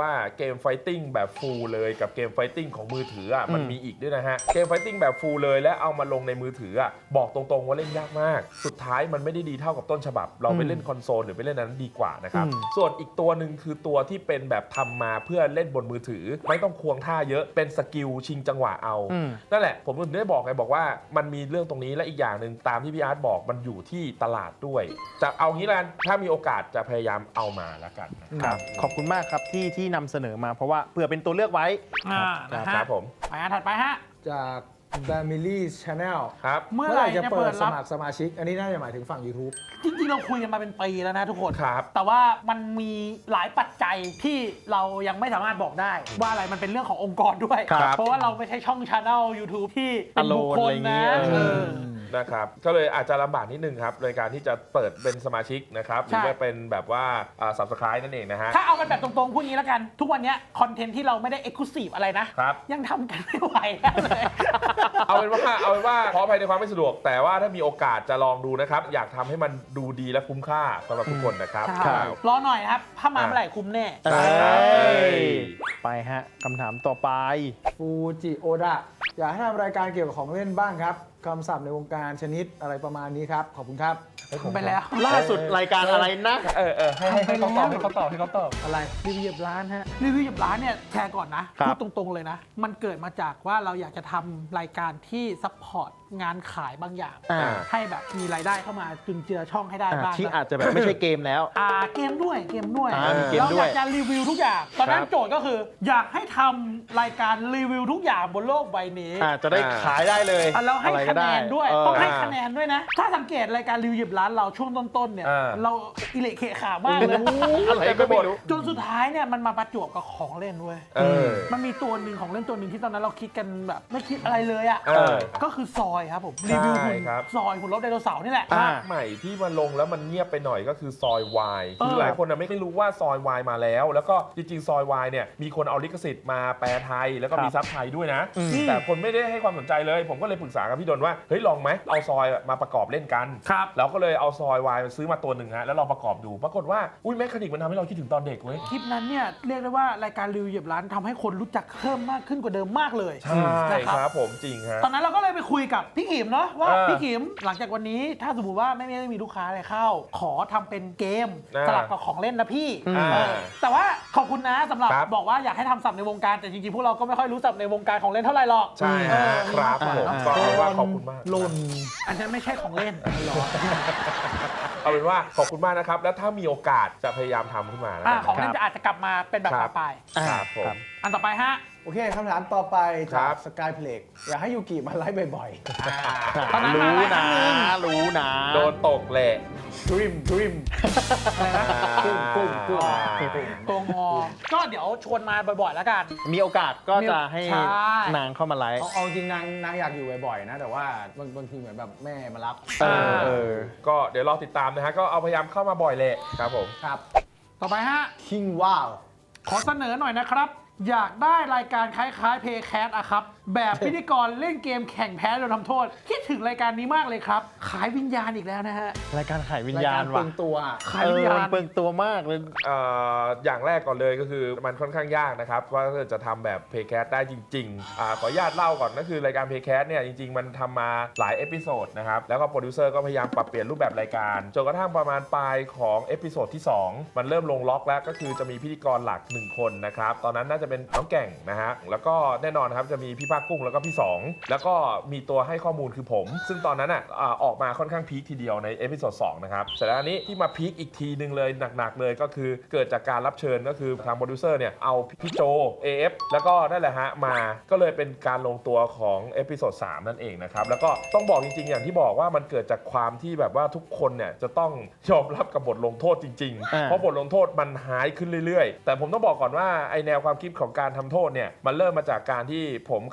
[SPEAKER 1] เกมไฟติ้งแบบฟูลเลยกับเกมไฟติ้งของมือถืออ่ะมันมีอีกด้วยนะฮะเกมไฟติ้งแบบฟูลเลยและเอามาลงในมือถืออ่ะบอกตรงๆว่าเล่นยากมากสุดท้ายมันไม่ได้ดีเท่ากับต้นฉบับเราไปเล่นคอนโซลหรือไปเล่นนั้นดีกว่านะครับส่วนอีกตัวหนึ่งคือตัวที่เป็นแบบทำมาเพื่อเล่นบนมือถือไม่ต้องควงท่าเยอะเป็นสกิลชิงจังหวะเอานั่นแหละผมถึงได้บอกไงบอกว่ามันมีเรื่องตรงนี้และอีกอย่างหนึ่งตามที่พี่อาร์ตบอกมันอยู่ที่ตลาดด้วยจะเอางี้ละกันถ้ามีโอกาสจะพยายามเอามาแล้วกันนะครับ
[SPEAKER 4] ขอบคุณมากครับที่ที่นำเสนอมาเพราะว่าเผื่อเป็นตัวเลือกไว้
[SPEAKER 2] อ่านะฮะ
[SPEAKER 1] ครับผม
[SPEAKER 2] ไปอันถัดไปฮะ
[SPEAKER 3] จาก Family Channel
[SPEAKER 1] ครับ
[SPEAKER 2] เมื่อ
[SPEAKER 3] เมื่อ
[SPEAKER 2] ไห
[SPEAKER 3] ไห
[SPEAKER 2] ร่
[SPEAKER 3] ร่จะ
[SPEAKER 2] จะ
[SPEAKER 3] เปิ
[SPEAKER 2] เปิ
[SPEAKER 3] ด
[SPEAKER 2] ด
[SPEAKER 3] ส
[SPEAKER 2] รับ
[SPEAKER 3] มัครสมาชิก อันนี้น่าจะหมายถึงฝั่ง YouTube
[SPEAKER 2] จริงๆเราคุยกันมาเป็นปีแล้วนะทุกคน
[SPEAKER 1] ครับ
[SPEAKER 2] แต่ว่ามันมีหลายปัจจัยที่เรายังไม่สามารถบอกได้ ว่าอะไรมันเป็นเรื่องขององค์กรด้วย
[SPEAKER 4] ครับ
[SPEAKER 2] เพราะว่าเราไม่ใช่ช่องชาแนล YouTube ที่เป็นบุคคล
[SPEAKER 4] Alone อะไรอย่างงี้
[SPEAKER 2] นะ
[SPEAKER 4] เออ
[SPEAKER 2] เออ
[SPEAKER 1] นะครับก็เลยอาจจะลำบากนิดนึงครับในการที่จะเปิดเป็นสมาชิกนะครับหรือ
[SPEAKER 2] ใช่
[SPEAKER 1] ว่าเป็นแบบว่าอ่า Subscribe นั่นเองนะฮะ
[SPEAKER 2] ถ้าเอากันแบบตรงๆพูดงี้แล้วกัน ทุกวันเนี้ยคอนเทนต์ที่เราไม่ได้ Exclusive อะไรนะ
[SPEAKER 1] ครับ
[SPEAKER 2] ยังทำกันไม่ไหวแล้วเลย
[SPEAKER 1] เอาเป็นว่าเอาเป็นว่าขออภัยในความไม่สะดวก แต่ว่าถ้ามีโอกาสจะลองดูนะครับ อยากทำให้มันดูดีและคุ้มค่าสำหรับทุกคนนะครับ
[SPEAKER 2] ใช่รอหน่อยนะครับ ถ้ามาเมื่อไหร่คุ้มแน่
[SPEAKER 4] เอ้ยไปฮะคำถามต่อไป
[SPEAKER 3] ฟูจิโอดะอยากให้ทำรายการเกี่ยวกับของเล่นบ้างครับคำศัพท์ในวงการชนิดอะไรประมาณนี้ครับ ขอบคุณครับ
[SPEAKER 2] ไปแล้ว
[SPEAKER 4] ล่าสุดรายการอะไรนะ
[SPEAKER 1] เออเออให้ให้ให้เขาตอบให้เขาตอบให้เขาตอบ
[SPEAKER 3] อะไร
[SPEAKER 2] รีวิวเหยียบร้านฮะรีวิวเหยียบร้านเนี่ยแชร์ก่อนนะครับ พูดตรงๆเลยนะ มันเกิดมาจากว่าเราอยากจะทำรายการที่ซัพพอร์ตงานขายบางอย่าง
[SPEAKER 4] อ่า
[SPEAKER 2] ให้แบบมีรายได้เข้ามาจุนเจือช่องให้ได้
[SPEAKER 4] อ่า
[SPEAKER 2] บ้าง
[SPEAKER 4] ที่อาจจะแบบไม่ใช่เกมแล้ว
[SPEAKER 2] อ่าเกมด้วยเกมด้วย
[SPEAKER 4] อ่ามีเกม
[SPEAKER 2] เรา
[SPEAKER 4] ด้
[SPEAKER 2] อ
[SPEAKER 4] วย
[SPEAKER 2] ยากจะรีวิวทุกอย่าง ตอนนั้น
[SPEAKER 1] ครับ
[SPEAKER 2] โจทย์ก็คือ อยากให้ทำรายการรีวิวทุกอย่างบนโลกใบนี้
[SPEAKER 4] อ่าจะได้ขายได้เลย
[SPEAKER 2] อ่ะแล้วให้
[SPEAKER 4] อะไรก็
[SPEAKER 2] คะแน
[SPEAKER 4] ได้
[SPEAKER 2] นด้วย
[SPEAKER 4] เ
[SPEAKER 2] ต้องให้คะแนนด้วยนะ ถ้าสังเกตรายการรีวิวเหยียบร้านเราช่วงต้นๆเนี่ย
[SPEAKER 1] อ่า
[SPEAKER 2] เราอิเละเขะขามากเลย
[SPEAKER 4] อะไรก็ไม่รู้
[SPEAKER 2] จนสุดท้ายเนี่ยมันมาประจวบกับของเล่นเว้ย
[SPEAKER 1] เออ
[SPEAKER 2] มันมีตัวหนึ่งของเล่นตัวหนึ่งที่ตอนนั้นเราคิดกันแบบไม่คิดอะไรเลยอ่ะ
[SPEAKER 1] เออ
[SPEAKER 2] ก็คือซอยครับผมรีวิวหุ่น
[SPEAKER 1] ครับ
[SPEAKER 2] ซอยหุ่นรถไดโนเสาร์นี่แหละ
[SPEAKER 4] อ่า
[SPEAKER 1] ภาคใหม่ที่มาลงแล้วมันเงียบไปหน่อยก็คือซอยวายคือ
[SPEAKER 2] เออ
[SPEAKER 1] หลายคนน่ะไม่รู้ว่าซอยวายมาแล้ว แล้วก็จริงๆซอยวายเนี่ยมีคนเอาลิขสิทธิ์มาแปลไทยแล้วก็มีซับไทยด้วยนะ แต่คนไม่ได้ให้ความสนใจเลย ผมก็เลยปรึกษากับพี่ดนว่าเฮ้ยลองไหมเอาซอยมาประกอบเล่นกัน
[SPEAKER 2] ครับ
[SPEAKER 1] เราก็เลยเอาซอยวายมาซื้อมาตัวหนึ่งฮะแล้วลองประกอบดูปรากฏว่าอุ้ยแมคานิกมันทำให้เราคิดถึงตอนเด็กเว้ย
[SPEAKER 2] คลิปนั้นเนี่ยเรียกได้ว่ารายการรีวิวเหยียบร้านทำให้คนรู้จักเพิ่มมากขึ้นกว่าเดิมมากเลย
[SPEAKER 1] ใช่
[SPEAKER 2] นะครับ
[SPEAKER 1] ครับผมจริงฮะ
[SPEAKER 2] ตอนนั้นเราก็เลยไปคุยกับพี่ขิมเนาะว่า
[SPEAKER 1] เออ
[SPEAKER 2] พี่ขิมหลังจากวันนี้ถ้าสมมติว่าไม่ไม่มีลูกค้าอะไรเข้า ขอทำเป็นเกม
[SPEAKER 1] อ่า
[SPEAKER 2] สลับกับของเล่นนะพี่
[SPEAKER 1] อ่า
[SPEAKER 2] เออแต่ว่าขอบคุณนะสำหรับ
[SPEAKER 1] ครับ
[SPEAKER 2] บอกว่าอยากให้ทำศัพท์ในวงการแต่จริงๆพวกเราก็ไม่ค่อยรู้ศัพท์ในวงการของเล่นเท่าไหร่หรอก
[SPEAKER 1] ใช่
[SPEAKER 2] เอ
[SPEAKER 1] ฮะ
[SPEAKER 2] อ
[SPEAKER 1] ครับ
[SPEAKER 2] มี
[SPEAKER 1] ผม
[SPEAKER 2] มากก
[SPEAKER 1] ก็
[SPEAKER 2] ว่าเนอะ
[SPEAKER 1] เอาว่าขอบคุณมาก
[SPEAKER 3] หล่น
[SPEAKER 2] อันนั้นไม่ใช่ของเล่นหรอ
[SPEAKER 1] เอาเป็นว่าขอบคุณมากนะครับ แล้วถ้ามีโอกาสจะพยายามทำขึ้นมาแล้ว
[SPEAKER 2] อ่า
[SPEAKER 1] กัน
[SPEAKER 2] ของ
[SPEAKER 1] นะ
[SPEAKER 2] เล่นจะอาจจะกลับมาเป็นแบบ
[SPEAKER 1] ครั
[SPEAKER 2] ต่อบ ไป
[SPEAKER 1] ครับผม
[SPEAKER 2] อันต่อไปฮะ
[SPEAKER 3] โอเคคำถามต่อไป
[SPEAKER 1] ครั
[SPEAKER 3] จาก
[SPEAKER 1] บ
[SPEAKER 3] สกายเพลกอยากให้ยูกิมาไลฟ์บ่อย
[SPEAKER 2] ตอนนั้นมา
[SPEAKER 4] รู้
[SPEAKER 2] หลายครั้
[SPEAKER 4] นะ
[SPEAKER 2] งหนึ่ง
[SPEAKER 4] รู้นะ
[SPEAKER 1] โดนตกแหละ
[SPEAKER 3] ๆดริมดริม
[SPEAKER 2] อะไรนะ
[SPEAKER 3] กุ้งกุ้งกุ้ง
[SPEAKER 2] ตัวงอ ก็เดี๋ยวชวนมาบ่อยๆแล้วกัน
[SPEAKER 4] มีโอกาสก็จะให้
[SPEAKER 2] ใช่
[SPEAKER 4] นางเข้ามาไลฟ์
[SPEAKER 3] เอาเอาจริงนางนางอยากอยู่บ่อยๆนะ แต่ว่าบางบางทีเหมือนแบบแม่มารับ
[SPEAKER 4] เออเออ
[SPEAKER 1] ก็เดี๋ยวรอติดตามนะฮะ ก็เอาพยายามเข้ามาบ่อยแหละครับผม
[SPEAKER 3] ครับ
[SPEAKER 2] ต่อไปฮะ
[SPEAKER 3] คิงว้าว
[SPEAKER 2] ขอเสนอหน่อยนะครับ อยากได้รายการคล้ายๆเพย์แคสอะครับ แบบพิธีกรเล่นเกมแข่งแพ้โดนทำโทษ คิดถึงรายการนี้มากเลยครับ ขายวิญญาณอีกแล้วนะฮะ
[SPEAKER 4] รายการขายวิญ
[SPEAKER 3] ราย
[SPEAKER 4] ญา
[SPEAKER 3] การ
[SPEAKER 4] ณ
[SPEAKER 3] เปลื
[SPEAKER 4] ว่ะ
[SPEAKER 3] องตัว
[SPEAKER 2] ขาย
[SPEAKER 4] เอ
[SPEAKER 2] วิญ
[SPEAKER 4] อ
[SPEAKER 2] ญา
[SPEAKER 4] มัน
[SPEAKER 2] ณ
[SPEAKER 4] เปลืองตัวมากเลย
[SPEAKER 1] เอ่ออย่างแรกก่อนเลยก็คือมันค่อนข้างยากนะครับว่าจะทำแบบ Paycast ได้จริงๆอาขออนุญาตเล่าก่อนก็คือรายการ Paycast เนี่ยจริงๆ มันทำมาหลายเอพิโซดนะครับแล้วก็โปรดิวเซอร์ก็พยายามปรับเปลี่ยนรูปแบบรายการจนกระทั่งประมาณปลายของเอพิโซดที่สองมันเริ่มลงล็อกแล้วก็คือจะมีพิธีกรหลักหนึ่งคนนะครับตอนนั้นน่าจะเป็นน้องแก่งนะฮะแล้วก็แน่นอนครับจะมีพี่ภาคกุ้งแล้วก็พี่สองแล้วก็มีตัวให้ข้อมูลคือผม ซึ่งตอนนั้นอ่ะอ่าออกมาค่อนข้างพีคทีเดียวในเอพิโซดสองนะครับเสร็จแล้วอันนี้ที่มาพีคอีกทีนึงเลยหนักๆเลยก็คือเกิดจากการรับเชิญก็คือทางโปรดิวเซอร์เนี่ยเอาพี่โจ เอ เอฟ แล้วก็นั่นแหละฮะมาก็เลยเป็นการลงตัวของเอพิโซดสามนั่นเองนะครับแล้วก็ต้องบอกจริงๆอย่างที่บอกว่ามันเกิดจากความที่แบบว่าทุกคนเนี่ยจะต้องยอมรับกับบทลงโทษจริงๆ
[SPEAKER 4] อ่า
[SPEAKER 1] เพราะบทลงโทษมันหายขึ้นเรื่อยๆ แต่ผมต้องบอกก่อนว่าไอแนวความคิดของการทำโทษเนี่ยมันเริ่มมาจากการที่ผมกับ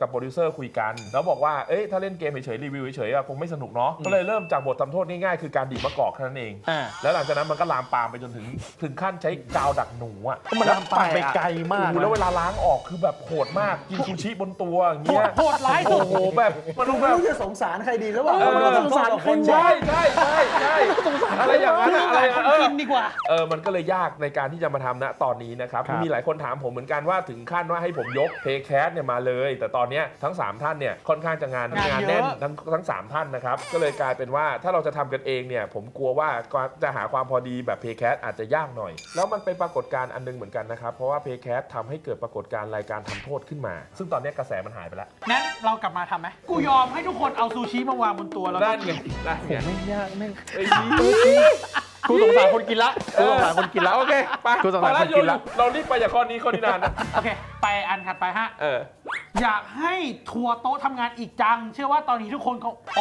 [SPEAKER 1] กับโปรดิวเซอร์คุยกันแล้วบอกว่าเอ๊ะถ้าเล่นเกมเฉยๆรีวิวเฉยๆอะคงไม่สนุกเนาะก็เลยเริ่มจากบททำโทษง่ายๆคือการดีดมะกอกแค่นั้นเอง
[SPEAKER 4] อ่า
[SPEAKER 1] แล้วหลังจากนั้นมันก็ลามปามไปจนถึงถึงขั้นใช้กาวดักหนูอ่ะ
[SPEAKER 4] มันลามปามไปไกลมาก
[SPEAKER 1] โอ้โหแล้วเวลาล้างออกคือแบบโหดมากกินซูชิบนตัวอย่าง
[SPEAKER 2] โห
[SPEAKER 1] เงี้
[SPEAKER 2] ด
[SPEAKER 1] ย
[SPEAKER 2] โหดร้ายสุด
[SPEAKER 1] โอ้โหแบบมันดู
[SPEAKER 3] ไม่
[SPEAKER 1] แบบ
[SPEAKER 3] รู้จะสงสารใครดีหรือเปล่า
[SPEAKER 1] เออ
[SPEAKER 3] มันสงสารคน
[SPEAKER 1] ใช่
[SPEAKER 3] ใช่
[SPEAKER 1] ใช่ใช่ใช่อะไรอย่างนั้นอะอะไร
[SPEAKER 2] คน
[SPEAKER 1] เออ
[SPEAKER 2] กินดีกว่า
[SPEAKER 1] เออมันก็เลยยากในการที่จะมาทำณตอนนี้นะครับ
[SPEAKER 4] ครับ
[SPEAKER 1] มีหลายคนถามผมเหมือนกันว่าถึงขั้นว่าให้ผมยกเพย์แคสเนี่ยมาเลย แต่ตอนเนี้ยทั้งสามท่านเนี่ยค่อนข้างจะงาน
[SPEAKER 2] งานเยอะ
[SPEAKER 1] แน่นทั้งทั้งสามท่านนะครับก็เลยกลายเป็นว่าถ้าเราจะทำกันเองเนี่ยผมกลัวว่าจะหาความพอดีแบบเพย์แคสอาจจะยากหน่อย แล้วมันเป็นปรากฏการณ์อันนึงเหมือนกันนะครับเพราะว่าเพย์แคสทำให้เกิดปรากฏการณ์รายการทำโทษขึ้นมา ซึ่งตอนเนี้ยกระแสมันหายไปแล้ว
[SPEAKER 2] งั้นเรากลับมาทำไหมกูยอมให้ทุกคนเอาซูชิมาวางบนตัวแล้วก็
[SPEAKER 1] นั่นไงนั่นไง
[SPEAKER 4] ไม่ยากไม่
[SPEAKER 1] เอ้ย
[SPEAKER 4] กูสงสารคนกินละกูสงสารคนกินละ
[SPEAKER 1] โอเคไป
[SPEAKER 4] กูสงสาร
[SPEAKER 1] พอ
[SPEAKER 4] คนกินละ
[SPEAKER 1] เรารีบไปจากข้อนี้ข้อนี้นานนะ
[SPEAKER 2] โอเค ไปอันถัดไปฮะ
[SPEAKER 1] เออ
[SPEAKER 2] อยากให้ทัวร์โต๊ะทำงานอีกจัง เชื่อว่าตอนนี้ทุกคนเขาโอ้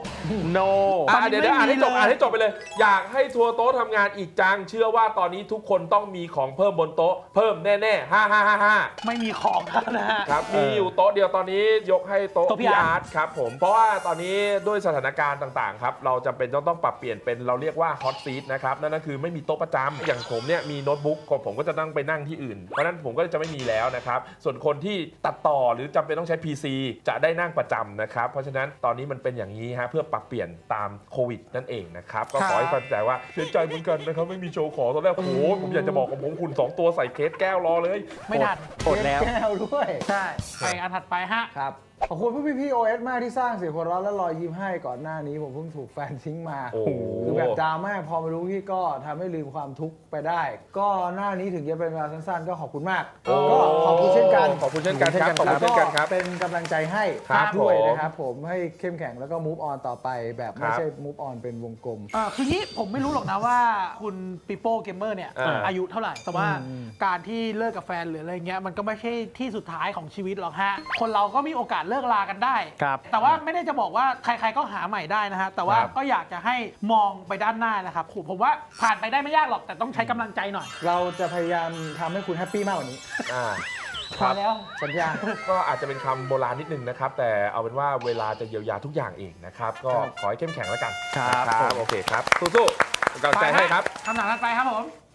[SPEAKER 4] no
[SPEAKER 1] อ่ะเดี๋ยวเดี๋ยวอ่านให้จบ
[SPEAKER 2] ไม่มีเลย
[SPEAKER 1] อ่านให้จบไปเลย อยากให้ทัวร์โต๊ะทำงานอีกจัง เชื่อว่าตอนนี้ทุกคนต้องมีของเพิ่มบนโต๊ะเพิ่มแน่ๆห้าห้าห้าห้า
[SPEAKER 2] ไม่มีของแล้วนะฮะ
[SPEAKER 1] ครับมีอยู่โต๊ะเดียวตอนนี้ยกให้โต๊ะ
[SPEAKER 2] โต๊ะพี่
[SPEAKER 1] พี่
[SPEAKER 2] อา
[SPEAKER 1] อา
[SPEAKER 2] ร์
[SPEAKER 1] ร์
[SPEAKER 2] ต
[SPEAKER 1] ตครับผมเพราะว่าตอนนี้ด้วยสถานการณ์ต่างๆครับเราจำเป็นต้องต้องปรับเปลี่ยนเป็นเราเรียกว่าฮอตซีทนะครับนั่นก็คือไม่มีโต๊ะประจำอย่างผมเนี่ยมีโน้ตบุ๊กผมก็จะต้องไปนั่งที่อื่นเพราะฉะนั้นผมก็จะไม่มีแล้วนะครับส่วนคนที่ตัดต่อหรือจำเป็นต้องใช้ พี ซี จะได้นั่งประจำนะครับเพราะฉะนั้นตอนนี้มันเป็นอย่างนี้ฮะเพื่อปรับเปลี่ยนตามโควิดนั่นเองนะครับก็ขอให้เข้าใจว่าเสียใจเหมือนกันนะครับไม่มีโชว์ของตอนแรกโอ้โหผมอยากจะบอกของผมคุณสองตัวใส่เคสแก้วรอเลย
[SPEAKER 2] ไม่ทัน
[SPEAKER 4] อดแล้ว
[SPEAKER 3] แก้วด้วย
[SPEAKER 2] ใช่ ไปอันถัดไปฮะ
[SPEAKER 3] ครับ ขอบคุณพวกพี่ๆ โอ เอส มากที่สร้างเสียงหัวเราะและรอยยิ้มให้ก่อนหน้านี้ผมเพิ่งถูกแฟนทิ้งมา
[SPEAKER 1] โอ้โห
[SPEAKER 3] คือแบบดราม่าพอมารู้พี่ก็ทำให้ลืมความทุกข์ไปได้ ก็หน้านี้ถึงจะเป็นเวลาสั้นๆ ก็ขอบคุณมาก
[SPEAKER 1] โอ้
[SPEAKER 3] ก็ขอบคุณเช่นกัน
[SPEAKER 1] ขอบคุณเช่นกันครับขอบคุณเช่นกันครับ
[SPEAKER 3] เป็นกำลังใจให้
[SPEAKER 1] ครับ
[SPEAKER 3] ด้วย
[SPEAKER 1] ผม
[SPEAKER 3] นะครับผมให้เข้มแข็งแล้วก็ move on ต่อไปแบบไม่
[SPEAKER 1] ครับ
[SPEAKER 3] ใช่ move on เป็นวงกลม
[SPEAKER 2] อ่าคืองี้ผมไม่รู้หรอกนะว่าคุณปิโป้เกมเมอร์เนี่ย
[SPEAKER 1] อ่า
[SPEAKER 2] อายุเท่าไหร่ แต่ว่า
[SPEAKER 3] อืม
[SPEAKER 2] การที่เลิกกับแฟนหรืออะไรเงี้ยมันก็ไม่ใช่ที่สุดท้ายของชีวิตหรอกฮะ คนเราก็มีโอกาสเลิกลากันได้
[SPEAKER 4] ครับ
[SPEAKER 2] แต่ว่าไม่ได้จะบอกว่าใครๆก็หาใหม่ได้นะฮะ แต่ว่า
[SPEAKER 1] ครับ
[SPEAKER 2] ก็อยากจะให้มองไปด้านหน้านะครับผมผมว่าผ่านไปได้ไม่ยากหรอกแต่ต้องใช้กำลังใจหน่อย
[SPEAKER 3] เราจะพยายามทำให้คุณแฮปปี้มากกว่านี้
[SPEAKER 1] อ่า
[SPEAKER 2] พอแล้ว
[SPEAKER 3] สัญญา
[SPEAKER 1] ก็อาจจะเป็นคำโบราณนิดนึงนะครับ แต่เอาเป็นว่าเวลาจะเยียวยาทุกอย่างเองนะครับ ก็
[SPEAKER 3] ครับ
[SPEAKER 1] ขอให้เข้มแข็งแล้วกัน
[SPEAKER 4] ครับ
[SPEAKER 1] นะ
[SPEAKER 4] ผม
[SPEAKER 1] โอเคครับ สู้ๆเป็นกำลังใจให้ครับ
[SPEAKER 2] คำถามถัดไปครับผม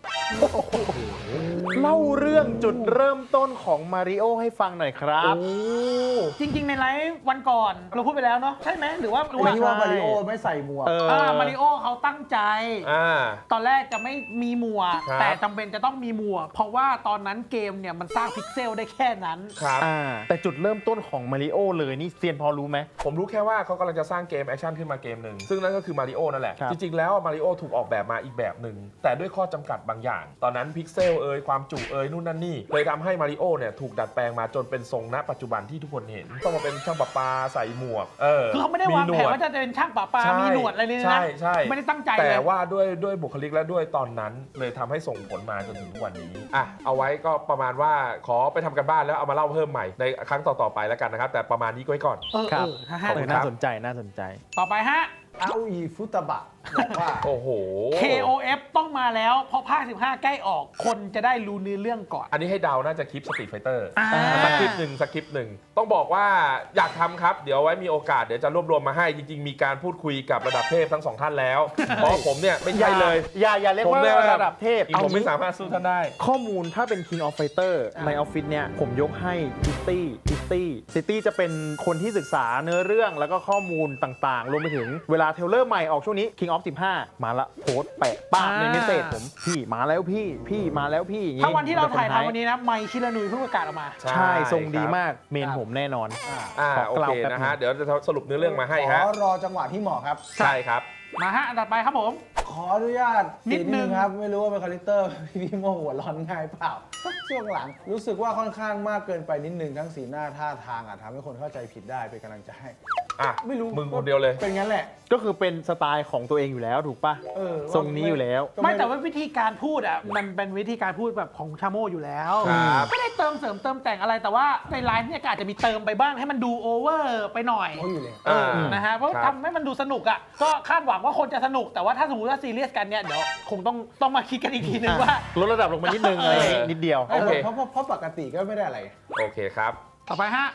[SPEAKER 4] เล่าเรื่องจุดเริ่มต้นของมาริโอให้ฟังหน่อยครับ
[SPEAKER 2] จริง ๆ ในไลฟ์วันก่อนเราพูดไปแล้วเนาะใช่ไหมหรือว่าหรือ
[SPEAKER 3] ไอ้
[SPEAKER 2] ว่า
[SPEAKER 3] ที่ว่ามาริโอไม่ใส่หมวก
[SPEAKER 4] เออ
[SPEAKER 2] อ่ามาริโอเขาตั้งใจ
[SPEAKER 1] อ่า
[SPEAKER 2] ตอนแรกจะไม่มีหมวก
[SPEAKER 1] ครับ
[SPEAKER 2] แต่จำเป็นจะต้องมีหมวก เพราะว่าตอนนั้นเกมเนี่ยมันสร้างพิกเซลได้แค่นั้น
[SPEAKER 1] ครับ
[SPEAKER 4] อ่าแต่จุดเริ่มต้นของมาริโอเลยนี่เซียนพอรู้ไหม
[SPEAKER 1] ผมรู้แค่ว่าเขากำลังจะสร้างเกมแอคชั่นขึ้นมาเกมหนึ่ง ซึ่งนั่นก็คือมาริโอนั่นแหละ
[SPEAKER 4] ครับ
[SPEAKER 1] จริง ๆ แล้วมาริโอถูกออกแบบมาอีกแบบหนึ่ง แต่ด้วยข้อจำกัดบางอย่าง ตอนนั้นพิกเซลเอยความจุเอยนู่นนั่นนี่ เลยทำให้มาริโอเนี่ยถูกดัดแปลงมาจนเป็นทรงณปัจจุบันที่ทุกคนเห็น ต้องมาเป็นช่างประปาใส่หมวก เออ
[SPEAKER 2] คือเขาไม่ได้วาง
[SPEAKER 1] หน
[SPEAKER 2] แผน
[SPEAKER 1] ด
[SPEAKER 2] ว่าจะเป็นช่างป่าปลา
[SPEAKER 1] ใช่
[SPEAKER 2] มีหนวดอะไรเลยนะ
[SPEAKER 1] ใช่ใช่
[SPEAKER 2] ไม่ได้ตั้งใจ
[SPEAKER 1] แต่
[SPEAKER 2] เลย
[SPEAKER 1] ว่าด้วยด้วยบุคลิกและด้วยตอนนั้นเลยทำให้ส่งผลมาจนถึงทุกวันนี้อ่ะเอาไว้ก็ประมาณว่าขอไปทำกันบ้านแล้วเอามาเล่าเพิ่มใหม่ในครั้งต่อๆไปแล้วกันนะครับ แต่ประมาณนี้ก็ไว้ก่อน
[SPEAKER 2] เออ
[SPEAKER 4] ครั
[SPEAKER 2] เอบ อฮะฮะ
[SPEAKER 1] ขอบคุณ
[SPEAKER 4] น่าสนใจน่าสนใจ
[SPEAKER 2] ต่อไปฮะ
[SPEAKER 3] อาอีฟุตบะบอกว่า
[SPEAKER 1] โอ้โห
[SPEAKER 2] เค โอ เอฟ ต้องมาแล้วเพราะภาคสิบห้าใกล้ออกคนจะได้รู้เนื้อเรื่องก่อน
[SPEAKER 1] อันนี้ให้เดาน่าจะคลิปสตรีทไฟเตอร์
[SPEAKER 2] อ่า
[SPEAKER 1] สักคลิปหนึ่งสักคลิปหนึ่งต้องบอกว่าอยากทำครับ เดี๋ยวไว้มีโอกาสเดี๋ยวจะรวบรวมมาให้จริง ๆ มีการพูดคุยกับระดับเทพทั้งสองท่านแล้ว เพราะผมเนี่ยไม่ใช่เลย
[SPEAKER 4] อย่าอย่าเรียก
[SPEAKER 1] ผม
[SPEAKER 4] ว่า
[SPEAKER 1] เนี่ย
[SPEAKER 4] ระดับเทพ
[SPEAKER 1] ผมไม่สามารถสู้ท่านได้
[SPEAKER 4] ข้อมูลถ้าเป็น King of Fighter ในออฟฟิศเนี่ยผมยกให้ซิตี้ซิตี้ซิตี้จะเป็นคนที่ศึกษาเนื้อเรื่องแล้วก็ข้อมูลต่างๆ รวมไปถึงเวลาเทรลเลอร์ใหม่ออกช่วงนี้ King of สิบห้ามาละโพสต์แปะป้าบในเมสเซจผมพี่มาแล้วพี่พี่มาแล้วพี่อย่างงี้
[SPEAKER 2] ถ้าวันที่เราถ่าย
[SPEAKER 4] ป็คท้
[SPEAKER 2] ทำวันนี้นะไมค์ชิลานุยเพิ่งประกาศออกมา
[SPEAKER 1] ใช่
[SPEAKER 4] ใช่ทรงดี
[SPEAKER 1] ครับ
[SPEAKER 4] มากเมนผมแน่นอน
[SPEAKER 1] อ่า
[SPEAKER 4] ขอ
[SPEAKER 1] โอก
[SPEAKER 4] ล่าว
[SPEAKER 1] เค
[SPEAKER 4] แป๊บ
[SPEAKER 1] นะฮะ
[SPEAKER 4] นึง
[SPEAKER 1] เดี๋ยวจะสรุปเนื้อเรื่องมาให้
[SPEAKER 3] ข
[SPEAKER 1] ฮะ
[SPEAKER 3] อรอจังหวะที่เหมาะครับ
[SPEAKER 1] ใช่ครับ
[SPEAKER 2] มาฮะอันถัดไปครับผม
[SPEAKER 3] ขออนุญาต
[SPEAKER 2] นิดนึง
[SPEAKER 3] ครับ ไม่รู้ว่าเป็นคาแรคเตอร์ พี่โมหัวร้อนง่ายเปล่า ช่วงหลัง รู้สึกว่าค่อนข้างมากเกินไปนิดนึงทั้งสีหน้าท่าทางอ่ะทำให้คนเข้าใจผิดได้เป็นกำลังใจให้
[SPEAKER 1] อ่ะ
[SPEAKER 3] ไม่รู้
[SPEAKER 1] มึงคนเดียวเลย
[SPEAKER 3] เป็นงั้นแหละ
[SPEAKER 4] ก็คือเป็นสไตล์ของตัวเองอยู่แล้วถูกปะ
[SPEAKER 3] เออ
[SPEAKER 4] ทรงนี้อยู่แล้ว
[SPEAKER 3] ก็
[SPEAKER 2] ไม่แต่ว่าวิธีการพูดอ่ะมันเป็นวิธีการพูดแบบของชาโมอยู่แล้ว
[SPEAKER 1] ครับ
[SPEAKER 2] ไม่ได้เติมเสริมเติมแต่งอะไรแต่ว่าในไลฟ์เนี่ยก็อาจจะมีเติมไปบ้างให้มันดูโอเวอร์ไปหน่อย
[SPEAKER 3] เขาอยู่เลย
[SPEAKER 2] เออนะฮะเพราะ
[SPEAKER 1] ครับ
[SPEAKER 2] ทำให้มันดูสนุกอ่ะก็คาดหวังว่าคนจะสนุกแต่ว่าถ้าสมมติว่าซีเรียสกันเนี่ยเดี๋ยวคงต้องต้องมาคิดกันอีกทีนึงว่า
[SPEAKER 4] ลดระดับลงมานิดนึงอะไรนิดเดียว
[SPEAKER 1] โอเค
[SPEAKER 3] เพราะเพราะเพราะปกติก็ไม่ได้อะไร
[SPEAKER 1] โอเคครับ
[SPEAKER 2] ต่อไปฮะ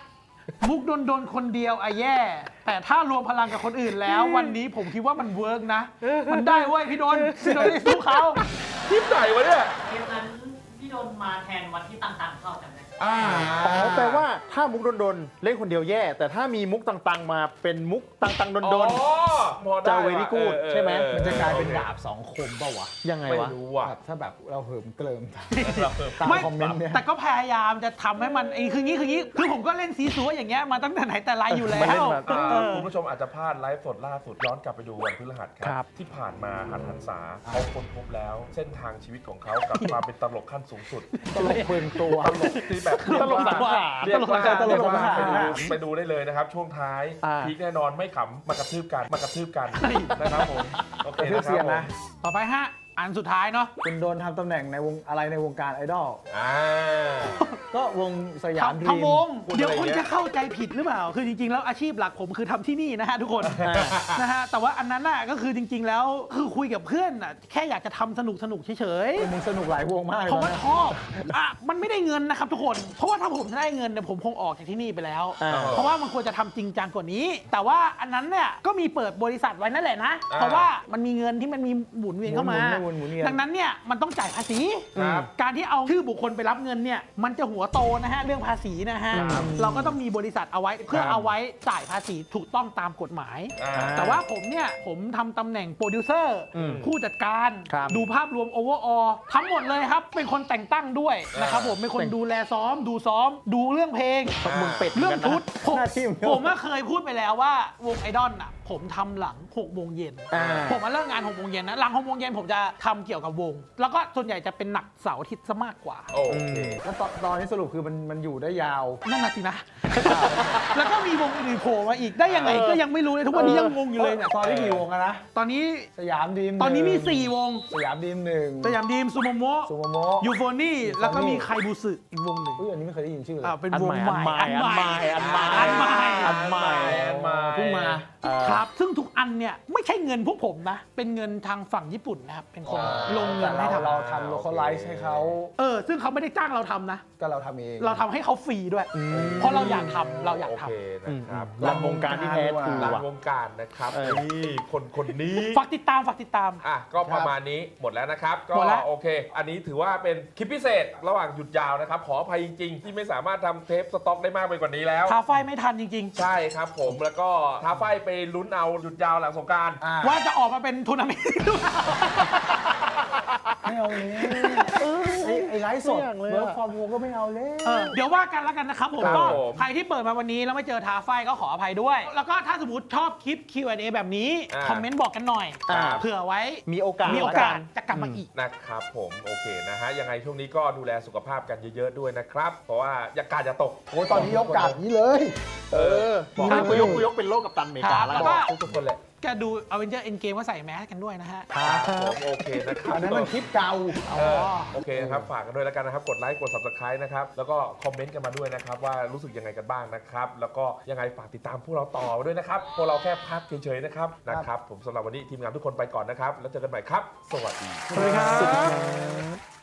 [SPEAKER 2] มุกโดนโดนคนเดียวอะแย่ แต่ถ้ารวมพลังกับคนอื่นแล้ว วันนี้ผมคิดว่ามันเวิร์กนะ มันได้เว้ยพี่โดนพี่โดนได้สู้เขา
[SPEAKER 1] คลิปไหนวะเนี่ย
[SPEAKER 5] เกมนั้นพี่โดนมาแทนวันที่ต่างๆเข้าจำได้
[SPEAKER 1] อ่า
[SPEAKER 4] อ๋อแปลว่าถ้ามุกโดนๆเล่นคนเดียวแย่ แต่ถ้ามีมุกต่างๆมาเป็นมุกต่างๆโดน
[SPEAKER 1] อ๋อพอได้
[SPEAKER 4] จะ very good
[SPEAKER 1] เออ
[SPEAKER 4] ใช่ไหม
[SPEAKER 1] เออ
[SPEAKER 3] มันจะกลายเป็น
[SPEAKER 1] โอค
[SPEAKER 3] ดาบสองคมเปล่าวะ
[SPEAKER 4] ๆ ยังไง
[SPEAKER 1] ไม่
[SPEAKER 4] วะ
[SPEAKER 1] รู้ว่ะ
[SPEAKER 3] แบบถ้าแบบเราเหิมเกลิมตาม
[SPEAKER 1] ตาม
[SPEAKER 2] ไม่
[SPEAKER 3] คอมเมนต์เนี่ย
[SPEAKER 2] แต่ก็พยายามจะทำให้มันไอ้คืองี้คืองี้คือผมก็เล่นซีซัวอย่างเงี้ยมาตั้งแต่ไหนแต่ไรอยู่แล้ว
[SPEAKER 4] มาเล่นมา
[SPEAKER 1] อ่า
[SPEAKER 2] เออ
[SPEAKER 1] คุณผู้ชมอาจจะพลาดไลฟ์สดล่าสุดย้อนกลับไปดูวันพฤหัสค
[SPEAKER 4] ครั
[SPEAKER 1] รับ ที่ผ่านมาหันหันษาเขาค้นพบแล้ว เส้นทางชีวิตของเขากับความเป็นตลกขั้นสูงสุด
[SPEAKER 3] ตลกเปลืองตัว
[SPEAKER 1] ตลกที่แบบ
[SPEAKER 4] ตลกสังหาร
[SPEAKER 1] เรียกว่า
[SPEAKER 3] ตลกสังหาร
[SPEAKER 1] เรียกว่าไปดูไปดูได้เลยนะครับ ช่วงท้าย
[SPEAKER 4] อ่า
[SPEAKER 1] พีคแน่นอนไม่ขำมากระทืบกันมากระทืบกันนะครับผมโอเค
[SPEAKER 3] กระทืบ
[SPEAKER 1] นะค
[SPEAKER 3] เสีย
[SPEAKER 1] รับ
[SPEAKER 3] ง
[SPEAKER 1] ผม
[SPEAKER 3] นะ
[SPEAKER 2] ต่อไปฮะอันสุดท้ายเนาะ
[SPEAKER 3] คุณโดนทำตำแหน่งในวงอะไรในวงการไอดอล
[SPEAKER 1] อ่า
[SPEAKER 3] ก็วงสยามดรี
[SPEAKER 2] ทำว
[SPEAKER 3] ม
[SPEAKER 2] ง
[SPEAKER 1] พูดอะไร
[SPEAKER 2] เดี๋ยวคุณ
[SPEAKER 1] เงี้ย
[SPEAKER 2] จะเข้าใจผิดหรือเปล่า คือจริงๆ แล้วอาชีพหลักผมคือทำที่นี่นะฮะทุกคนนะฮะแต่ว่าอันนั้นน่ะก็คือจริง ๆ แล้วคือคุยกับเพื่อนน่ะแค่อยากจะทำสนุกสนุกๆเฉย
[SPEAKER 3] มึงสนุกหลายวงมากเลย
[SPEAKER 2] ๆเพราะว่า
[SPEAKER 3] นะ
[SPEAKER 2] ชอบอ่ะมันไม่ได้เงินนะครับทุกคน เพราะว่าถ้าผมจะได้เงินเนี่ยผมคงออกจากที่นี่ไปแล้ว
[SPEAKER 4] อ่า
[SPEAKER 2] เพราะว่ามันควรจะทำจริงจังกว่านี้ แต่ว่าอันนั้นเนี่ยก็มีเปิดบริษัทไว้นั่นแหละนะ
[SPEAKER 1] อ่า
[SPEAKER 2] เพราะว่ามันมีเงินที่มันมีหมุนเวียนเข้ามา
[SPEAKER 3] หมุนๆหมุนๆหมุนเวียน
[SPEAKER 2] ดังนั้นเนี่ยมันต้องจ่ายภาษี
[SPEAKER 1] ครับ
[SPEAKER 2] การที่เอาชื่อบุคคลไปรับเงินเนี่ยมันจะหัวโตนะฮะเรื่องภาษีนะฮะ
[SPEAKER 1] ครับ
[SPEAKER 2] เราก็ต้องมีบริษัทเอาไว้เพื่อเอาไว้จ่ายภาษีถูกต้องตามกฎหมาย
[SPEAKER 1] อ่า
[SPEAKER 2] แต่ว่าผมเนี่ยผมทำตำแหน่งโปรดิวเซอร์
[SPEAKER 4] อืม
[SPEAKER 2] ผู้จัดการ
[SPEAKER 4] ครับ
[SPEAKER 2] ดูภาพรวมโอเวอร์ออทั้งหมดเลยครับ เป็นคนแต่งตั้งด้วยนะครับผมเป็นคนดูแลซ้อม ดูซ้อม ดูเรื่องเพลง
[SPEAKER 4] มึงเป็ด
[SPEAKER 2] เรื่องชุดผม
[SPEAKER 3] หน้าที่มึง
[SPEAKER 2] ผมก็เคยพูดไปแล้วว่าวงไอดอลน่ะผมทำหลังหกโมงเย็น
[SPEAKER 4] อ่า
[SPEAKER 2] ผมมาเลิกงานหกโมงเย็นนะหลังหกโมงเย็นผมจะทำเกี่ยวกับวง แล้วก็ส่วนใหญ่จะเป็นหนักเสาร์อาทิตย์ซะมากกว่า
[SPEAKER 1] โอเค
[SPEAKER 3] แล้วตอนตอนนี้สรุปคือมันมันอยู่ได้ยาว
[SPEAKER 2] นั่นน่ะสินะ แล้วก็มีวงอื่นๆโผล่มาอีกได้ยังไงก็ยังไม่รู้เลยทุกวันนี้ยังงงอยู่เลยเนี่ย
[SPEAKER 3] ตอนนี้กี่วงอะนะ
[SPEAKER 2] ตอนนี้
[SPEAKER 3] สยามดีม
[SPEAKER 2] ตอนนี้มี
[SPEAKER 3] หง
[SPEAKER 2] สี่วง
[SPEAKER 3] สยามดีมหนึ่ง
[SPEAKER 2] สยามดีมซูโมโมะ
[SPEAKER 3] ซูโมโม
[SPEAKER 2] ยูโฟนี่แล้วก็มีไคบูสึอีกวงหนึ่ง
[SPEAKER 3] อุ้ยอันนี้ไม่เคยได้ยินชื่อเลย
[SPEAKER 2] อ่าเป็น
[SPEAKER 4] อัน
[SPEAKER 2] ว
[SPEAKER 4] ให
[SPEAKER 2] ง
[SPEAKER 4] ม่
[SPEAKER 2] ใหม่
[SPEAKER 4] อันใหม่อันใหม่
[SPEAKER 2] อันใหม่
[SPEAKER 4] อันใหม่
[SPEAKER 1] อันใหม่
[SPEAKER 3] เพิ่งมา
[SPEAKER 4] เอ่อ
[SPEAKER 2] ครับ ซึ่งทุกอันเนี่ยไม่ใช่เงินพวกผมนะ เป็นเงินทางฝั่งญี่ปุ่นนะครับ เป็นคน
[SPEAKER 1] อ๋อ
[SPEAKER 2] ลงเงิ
[SPEAKER 3] แต่
[SPEAKER 2] น
[SPEAKER 3] เรา
[SPEAKER 2] ให้ทำ
[SPEAKER 3] เราทำ localize ให้เขา
[SPEAKER 2] เออ ซึ่งเขาไม่ได้จ้างเราทำนะ
[SPEAKER 3] ก็เราทำเอง
[SPEAKER 2] เราทำให้เขาฟรีด้วย เพราะเราอยากทำเราอยาก
[SPEAKER 1] โอ
[SPEAKER 2] ทำ
[SPEAKER 1] เคนะครับ
[SPEAKER 4] รันวงการที่แท้ทรู
[SPEAKER 1] หลัง
[SPEAKER 4] อ่ะ
[SPEAKER 1] วงการนะครับ
[SPEAKER 4] เออ
[SPEAKER 1] นี่คนคนนี้
[SPEAKER 2] ฝากติดตามฝากติดตาม
[SPEAKER 1] อ่ะก็ประมาณนี้หมดแล้วนะครับ ก็
[SPEAKER 2] หมดแล้ว
[SPEAKER 1] โอเค อันนี้ถือว่าเป็นคลิปพิเศษระหว่างหยุดยาวนะครับ ขออภัยจริง ๆ ที่ไม่สามารถทำเทปสต็อกได้มากไปกว่านี้แล้ว
[SPEAKER 2] ทาไฟไม่ทันจริง
[SPEAKER 1] ใช่ครับผมแล้วก็ท้าไฟไปลุ้นเอาหยุดยาวหลังสงกราร
[SPEAKER 3] อ่า
[SPEAKER 2] ๆ ว่าจะออกมาเป็นทัวร์นาเมนต์หรือเปล่า
[SPEAKER 3] ไม่เอาเลยไอ้ไอ้ไลฟ์สด
[SPEAKER 4] ไม่อยากเลยอะ
[SPEAKER 3] เวิร์กฟอร์มโฮก็ไม่เอาเลย
[SPEAKER 2] เออเดี๋ยวว่ากันแล้วกันนะครับผม
[SPEAKER 1] ครับ
[SPEAKER 2] ก็
[SPEAKER 1] ผม
[SPEAKER 2] ใครที่เปิดมาวันนี้แล้วไม่เจอทาไฟก็ขออภัยด้วย แล้วก็ถ้าสมมติชอบคลิป คิว แอนด์ เอ แบบนี้
[SPEAKER 1] อ่า
[SPEAKER 2] คอมเมนต์บอกกันหน่อย
[SPEAKER 4] อ่า
[SPEAKER 2] เผื่อไว้
[SPEAKER 4] มีโอกาส
[SPEAKER 2] มีโอกาส
[SPEAKER 4] ละน
[SPEAKER 2] จะกลับมาอีก
[SPEAKER 1] นะครับผมโอเคนะฮะยังไงช่วงนี้ก็ดูแลสุขภาพกันเยอะๆด้วยนะครับ เพราะว่าอย่ากาดอย่าตก
[SPEAKER 3] โอ้ยตอนนี้ยกกาดนี้เลย
[SPEAKER 1] เออ
[SPEAKER 4] บอกให้กูยกกูยกเป็นโลกกับตันอเมริกา
[SPEAKER 2] ครับ
[SPEAKER 4] แล้ว
[SPEAKER 2] แล้ว
[SPEAKER 4] กั
[SPEAKER 2] ก็
[SPEAKER 4] น
[SPEAKER 1] ทุกๆคนแหละ
[SPEAKER 2] จะดู Avenger Endgame ว่าใส่แมสกันด้วยนะฮะ
[SPEAKER 1] ครับผมโอเคนะครับ
[SPEAKER 3] อันนั้นมันคลิปเก่า
[SPEAKER 1] เออโอเคนะครับฝากกันด้วยแล้วกันนะครับ กดไลค์กด Subscribe นะครับ แล้วก็คอมเมนต์กันมาด้วยนะครับ ว่ารู้สึกยังไงกันบ้างนะครับ แล้วก็ยังไงฝากติดตามพวกเราต่อด้วยนะครับ พวกเราแค่พักเฉยๆนะครับนะครับ ผมสำหรับวันนี้ทีมงานทุกคนไปก่อนนะครับ แล้วเจอกันใหม่ครับ สวัสดี
[SPEAKER 2] สวัสดีครับ